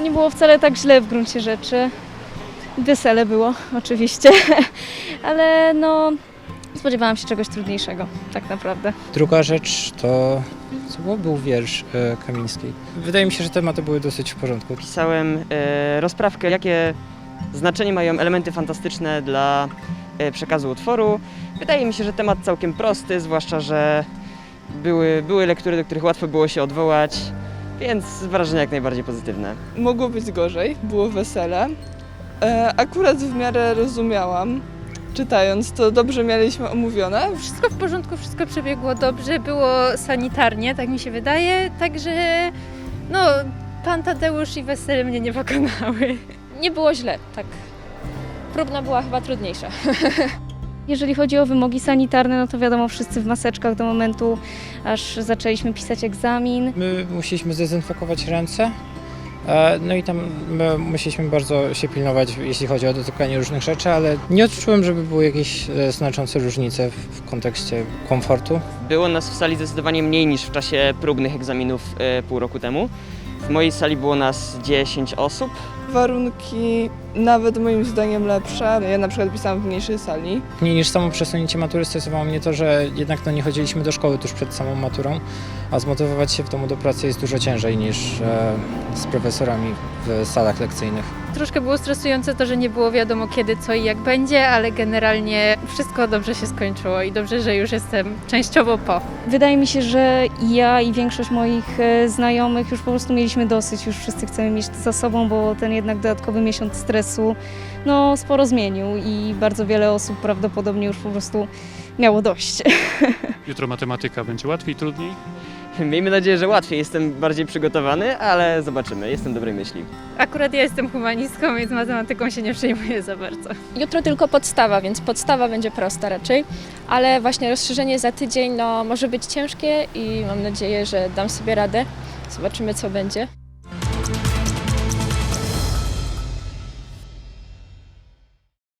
nie było wcale tak źle w gruncie rzeczy. Wesele było oczywiście, ale no spodziewałam się czegoś trudniejszego tak naprawdę. Druga rzecz to był wiersz Kamińskiej. Wydaje mi się, że tematy były dosyć w porządku. Pisałem rozprawkę, jakie znaczenie mają elementy fantastyczne dla przekazu utworu. Wydaje mi się, że temat całkiem prosty, zwłaszcza, że były lektury, do których łatwo było się odwołać, więc wrażenia jak najbardziej pozytywne. Mogło być gorzej, było wesele. Akurat w miarę rozumiałam, czytając to dobrze mieliśmy omówione. Wszystko w porządku, wszystko przebiegło dobrze, było sanitarnie, tak mi się wydaje, także no, pan Tadeusz i wesele mnie nie pokonały. Nie było źle, tak. Próbna była chyba trudniejsza. Jeżeli chodzi o wymogi sanitarne, no to wiadomo, wszyscy w maseczkach do momentu, aż zaczęliśmy pisać egzamin. My musieliśmy zdezynfekować ręce, no i tam my musieliśmy bardzo się pilnować, jeśli chodzi o dotykanie różnych rzeczy, ale nie odczułem, żeby były jakieś znaczące różnice w kontekście komfortu. Było nas w sali zdecydowanie mniej niż w czasie próbnych egzaminów pół roku temu. W mojej sali było nas 10 osób. Warunki nawet moim zdaniem lepsze. Ja na przykład pisałam w mniejszej sali. Mniej niż samo przesunięcie matury stresowało mnie to, że jednak nie chodziliśmy do szkoły tuż przed samą maturą, a zmotywować się w domu do pracy jest dużo ciężej niż z profesorami w salach lekcyjnych. Troszkę było stresujące to, że nie było wiadomo kiedy, co i jak będzie, ale generalnie wszystko dobrze się skończyło i dobrze, że już jestem częściowo po. Wydaje mi się, że ja i większość moich znajomych już po prostu mieliśmy dosyć, już wszyscy chcemy mieć to za sobą, bo ten jednak dodatkowy miesiąc stresu no sporo zmienił i bardzo wiele osób prawdopodobnie już po prostu miało dość. Jutro matematyka będzie łatwiej, trudniej? Miejmy nadzieję, że łatwiej. Jestem bardziej przygotowany, ale zobaczymy. Jestem dobrej myśli. Akurat ja jestem humanistką, więc matematyką się nie przejmuję za bardzo. Jutro tylko podstawa, więc podstawa będzie prosta raczej, ale właśnie rozszerzenie za tydzień no, może być ciężkie i mam nadzieję, że dam sobie radę. Zobaczymy, co będzie.